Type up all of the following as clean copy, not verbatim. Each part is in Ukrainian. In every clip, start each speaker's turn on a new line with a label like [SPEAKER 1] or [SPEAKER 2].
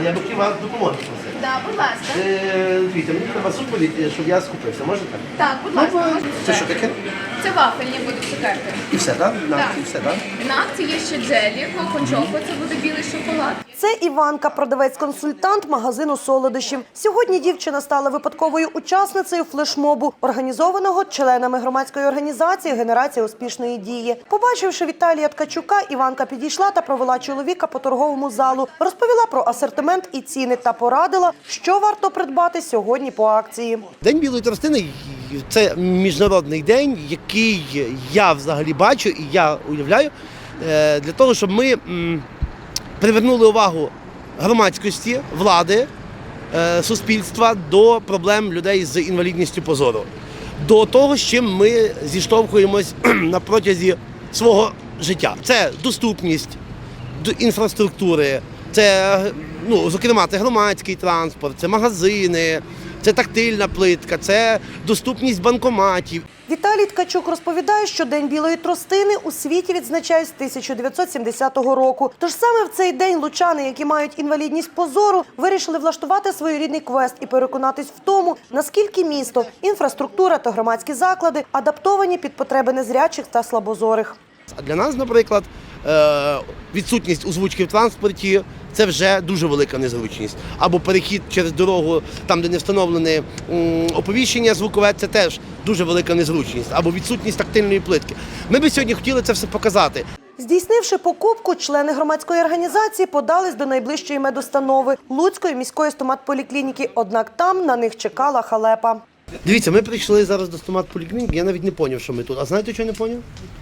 [SPEAKER 1] але я б хотів вас допомогти просити.
[SPEAKER 2] Так, будь ласка.
[SPEAKER 1] Дивіться, мені треба супровід, щоб я скупився, можете?
[SPEAKER 2] Так, будь ласка.
[SPEAKER 1] Це що таке?
[SPEAKER 2] Це вафельні будуть цукерки.
[SPEAKER 1] І все, так?
[SPEAKER 2] Так.
[SPEAKER 1] І все, так?
[SPEAKER 2] На акції є ще джелі, кокочоко, це буде білий шоколад.
[SPEAKER 3] Це Іванка, продавець-консультант магазину солодощів. Сьогодні дівчина стала випадковою учасницею флешмобу, організованого членами громадської організації «Генерація успішної дії». Побачивши Віталія Ткачука, Іванка підійшла та провела чоловіка по торговому залу, розповіла про асортимент і ціни та порадила, що варто придбати сьогодні по акції.
[SPEAKER 1] День білої тростини – це міжнародний день, який я взагалі бачу і я уявляю для того, щоб ми привернули увагу громадськості, влади, суспільства до проблем людей з інвалідністю по зору, до того, з чим ми зіштовхуємось на протязі свого життя. Це доступність до інфраструктури, це, зокрема, це громадський транспорт, це магазини, це тактильна плитка, це доступність банкоматів.
[SPEAKER 3] Віталій Ткачук розповідає, що День білої тростини у світі відзначають з 1970 року. Тож саме в цей день лучани, які мають інвалідність по зору, вирішили влаштувати своєрідний квест і переконатись в тому, наскільки місто, інфраструктура та громадські заклади адаптовані під потреби незрячих та слабозорих.
[SPEAKER 1] А для нас, наприклад, відсутність озвучки в транспорті – це вже дуже велика незручність. Або перехід через дорогу, там, де не встановлене оповіщення звукове – це теж дуже велика незручність. Або відсутність тактильної плитки. Ми би сьогодні хотіли це все показати.
[SPEAKER 3] Здійснивши покупку, члени громадської організації подались до найближчої медустанови – Луцької міської стоматполіклініки. Однак там на них чекала халепа.
[SPEAKER 1] Дивіться, ми прийшли зараз до стоматполіклініки, я навіть не зрозумів, що ми тут. А знаєте, що не зрозумів?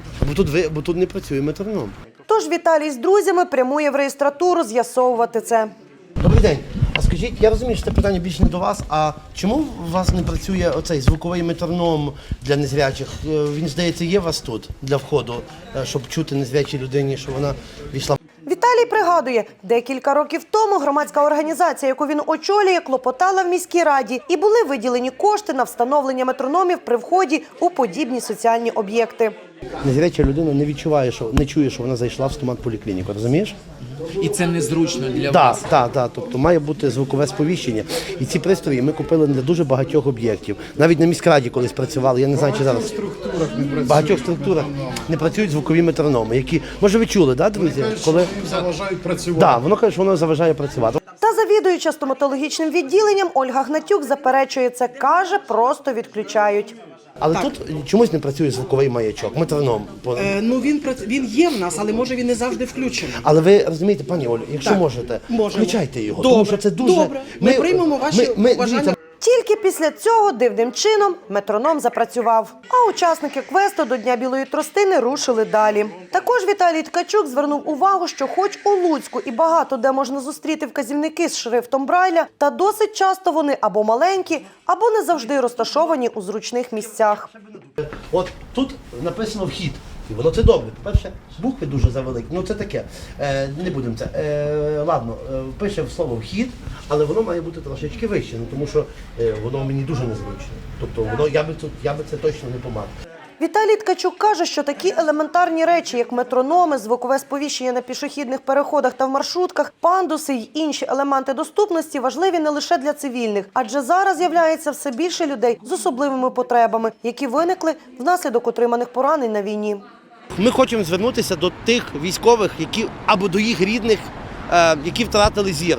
[SPEAKER 1] Бо тут не працює метроном.
[SPEAKER 3] Тож Віталій з друзями прямує в реєстратуру з'ясовувати це.
[SPEAKER 1] Добрий день. А скажіть, я розумію, що це питання більше не до вас, а чому у вас не працює оцей звуковий метроном для незрячих? Він, здається, є у вас тут для входу, щоб чути незрячій людині, що вона війшла.
[SPEAKER 3] Віталій пригадує, декілька років тому громадська організація, яку він очолює, клопотала в міській раді і були виділені кошти на встановлення метрономів при вході у подібні соціальні об'єкти.
[SPEAKER 1] Незряча людина не відчуває, не чує, що вона зайшла в стоматполіклініку, розумієш?
[SPEAKER 4] І це незручно для вас?
[SPEAKER 1] Так. Тобто має бути звукове сповіщення. І ці пристрої ми купили для дуже багатьох об'єктів. Навіть на міськраді колись працювали, я не знаю, чи зараз. В багатьох структурах не працюють звукові метрономи, які, може ви чули, так, друзі?
[SPEAKER 5] Коли заважають працювати.
[SPEAKER 1] Так, воно каже, що воно заважає працювати.
[SPEAKER 3] Та завідуюча стоматологічним відділенням Ольга Гнатюк заперечує це, каже, просто відключають.
[SPEAKER 1] Але тут чомусь не працює звуковий маячок, метроном.
[SPEAKER 6] Він є в нас, але може він не завжди включений.
[SPEAKER 1] Але ви розумієте, пані Олю, якщо можете, включайте його.
[SPEAKER 6] Добре.
[SPEAKER 1] Тому що це дуже...
[SPEAKER 6] Добре. Ми приймемо ваші побажання.
[SPEAKER 3] Тільки після цього дивним чином метроном запрацював. А учасники квесту до Дня білої тростини рушили далі. Також Віталій Ткачук звернув увагу, що хоч у Луцьку і багато де можна зустріти вказівники з шрифтом Брайля, та досить часто вони або маленькі, або не завжди розташовані у зручних місцях.
[SPEAKER 1] От тут написано «вхід». І воно це добре. По-перше, букви дуже завеликі. Це таке. Не будемо це. Ладно, пише слово «вхід», але воно має бути трошечки вище, тому що воно мені дуже незручно. Тобто я би це точно не помав.
[SPEAKER 3] Віталій Ткачук каже, що такі елементарні речі, як метрономи, звукове сповіщення на пішохідних переходах та в маршрутках, пандуси й інші елементи доступності важливі не лише для цивільних, адже зараз з'являється все більше людей з особливими потребами, які виникли внаслідок отриманих поранень на війні.
[SPEAKER 1] Ми хочемо звернутися до тих військових, або до їх рідних, які втратили зір.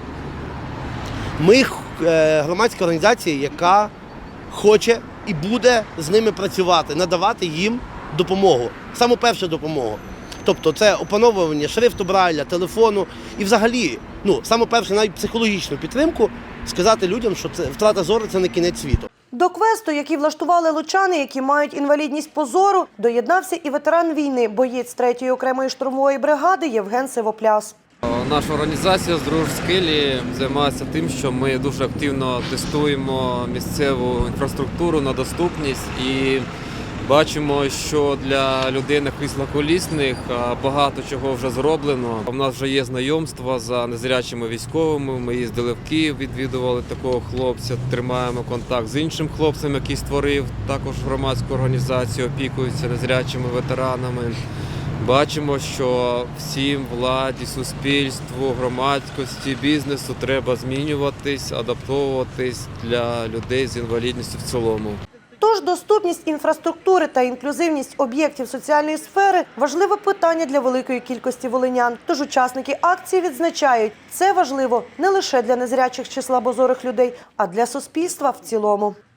[SPEAKER 1] Ми громадська організація, яка хоче і буде з ними працювати, надавати їм допомогу, саму першу допомогу. Тобто це опановування шрифту Брайля, телефону і взагалі, саму першу навіть психологічну підтримку, сказати людям, що втрата зору – це не кінець світу.
[SPEAKER 3] До квесту, який влаштували лучани, які мають інвалідність по зору, доєднався і ветеран війни, боєць 3-ї окремої штурмової бригади Євген Сивопляс.
[SPEAKER 7] Наша організація «Здорож Скелі» займається тим, що ми дуже активно тестуємо місцеву інфраструктуру на доступність і бачимо, що для людей на кріслах колісних багато чого вже зроблено. У нас вже є знайомства за незрячими військовими, ми їздили в Київ, відвідували такого хлопця, тримаємо контакт з іншим хлопцем, який створив також громадську організацію, опікується незрячими ветеранами. Бачимо, що всім владі, суспільству, громадськості, бізнесу треба змінюватись, адаптовуватись для людей з інвалідністю в цілому.
[SPEAKER 3] Тож доступність інфраструктури та інклюзивність об'єктів соціальної сфери – важливе питання для великої кількості волинян. Тож учасники акції відзначають, це важливо не лише для незрячих чи слабозорих людей, а для суспільства в цілому.